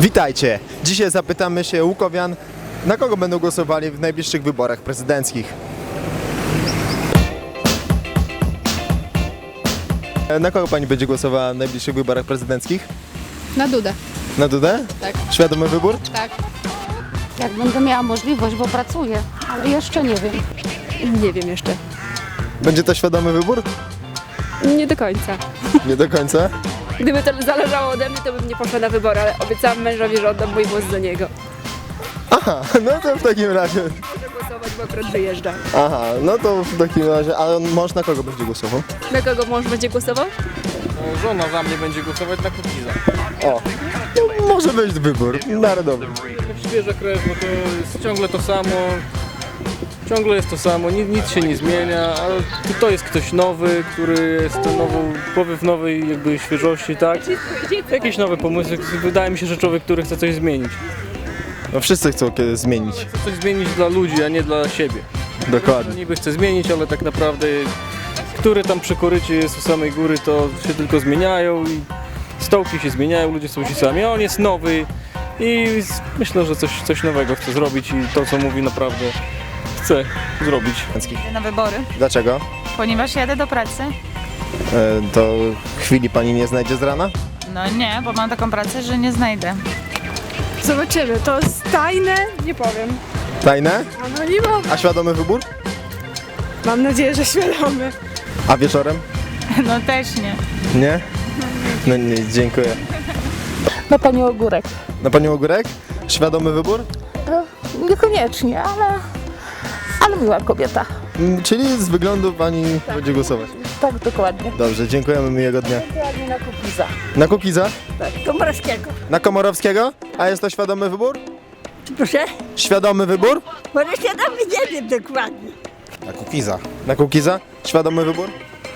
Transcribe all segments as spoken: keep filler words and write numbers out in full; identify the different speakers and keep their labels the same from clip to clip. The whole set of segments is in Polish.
Speaker 1: Witajcie! Dzisiaj zapytamy się łukowian, na kogo będą głosowali w najbliższych wyborach prezydenckich. Na kogo pani będzie głosowała w najbliższych wyborach prezydenckich?
Speaker 2: Na Dudę.
Speaker 1: Na Dudę?
Speaker 2: Tak.
Speaker 1: Świadomy wybór?
Speaker 2: Tak.
Speaker 3: Jak będę miała możliwość, bo pracuję, ale jeszcze nie wiem.
Speaker 4: Nie wiem jeszcze.
Speaker 1: Będzie to świadomy wybór?
Speaker 4: Nie do końca.
Speaker 1: Nie do końca?
Speaker 4: Gdyby to zależało ode mnie, to bym nie poszła na wybory, ale obiecałam mężowi, że oddam mój głos za niego.
Speaker 1: Aha, no to w takim razie...
Speaker 4: Muszę głosować, bo akurat wyjeżdża.
Speaker 1: Aha, no to w takim razie... A mąż na kogo będzie głosował?
Speaker 4: Na kogo mąż będzie głosował?
Speaker 5: Żona za mnie będzie głosować na Kukiza.
Speaker 1: O, no może być wybór narodowy.
Speaker 5: Świeża krew, bo to jest ciągle to samo. Ciągle jest to samo, nic, nic się nie zmienia, ale to jest ktoś nowy, który jest to nową, powiew nowej jakby świeżości, tak? Jakieś nowe pomysły. Wydaje mi się, że człowiek, który chce coś zmienić.
Speaker 1: No wszyscy chcą kiedy zmienić.
Speaker 5: Chce coś zmienić dla ludzi, a nie dla siebie.
Speaker 1: Dokładnie.
Speaker 5: Niby chce zmienić, ale tak naprawdę który tam przy korycie jest u samej góry, to się tylko zmieniają i stołki się zmieniają, ludzie są ci sami, a on jest nowy i myślę, że coś, coś nowego chce zrobić i to, co mówi, naprawdę chce zrobić.
Speaker 6: Na wybory,
Speaker 1: Dlaczego?
Speaker 6: ponieważ jadę do pracy.
Speaker 1: E, to chwili pani nie znajdzie z rana?
Speaker 6: No nie, bo mam taką pracę, że nie znajdę.
Speaker 4: Zobaczymy, to jest tajne? Nie powiem.
Speaker 1: Tajne?
Speaker 4: No nie mogę.
Speaker 1: A świadomy wybór?
Speaker 4: Mam nadzieję, że świadomy.
Speaker 1: A wieczorem?
Speaker 6: No też nie.
Speaker 1: Nie? No nie, dziękuję.
Speaker 3: Na panią Ogórek.
Speaker 1: Na panią Ogórek? Świadomy wybór?
Speaker 3: No, niekoniecznie, ale, ale miła kobieta.
Speaker 1: Mm, Czyli z wyglądu pani będzie głosować.
Speaker 3: Tak, dokładnie.
Speaker 1: Dobrze, dziękujemy, miłego dnia.
Speaker 3: Dokładnie na Kukiza.
Speaker 1: Na Kukiza?
Speaker 3: Tak, Komorowskiego.
Speaker 1: Na Komorowskiego? A jest to świadomy wybór?
Speaker 7: Proszę?
Speaker 1: Świadomy wybór?
Speaker 7: Może świadomy nie wiem dokładnie.
Speaker 1: Na Kukiza. Na Kukiza? Świadomy wybór?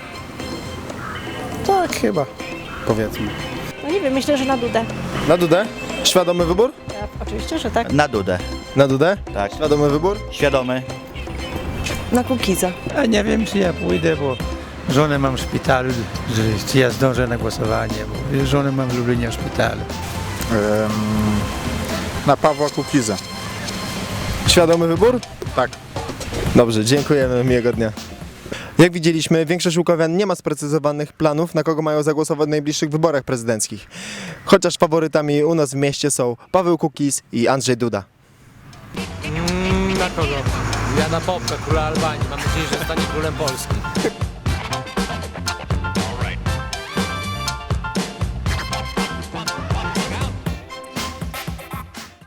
Speaker 1: Tak, chyba. Powiedzmy.
Speaker 2: No nie wiem, myślę, że na Dudę.
Speaker 1: Na Dudę? Świadomy wybór?
Speaker 2: Oczywiście, że tak.
Speaker 8: Na Dudę,
Speaker 1: Na Dudę?
Speaker 8: tak.
Speaker 1: Świadomy wybór?
Speaker 8: Świadomy.
Speaker 2: Na Kukiza.
Speaker 9: A nie wiem, czy ja pójdę, bo żonę mam w szpitalu, że, czy ja zdążę na głosowanie, bo żonę mam w Lublinie w szpitalu.
Speaker 10: Na Pawła Kukiza.
Speaker 1: Świadomy wybór? Tak. Dobrze, dziękujemy, miłego dnia. Jak widzieliśmy, większość łukowian nie ma sprecyzowanych planów, na kogo mają zagłosować w najbliższych wyborach prezydenckich. Chociaż faworytami u nas w mieście są Paweł Kukiz i Andrzej Duda.
Speaker 11: Mm, na kogo? Ja na Popka, króla Albanii. Mam nadzieję, że zostanie królem Polski.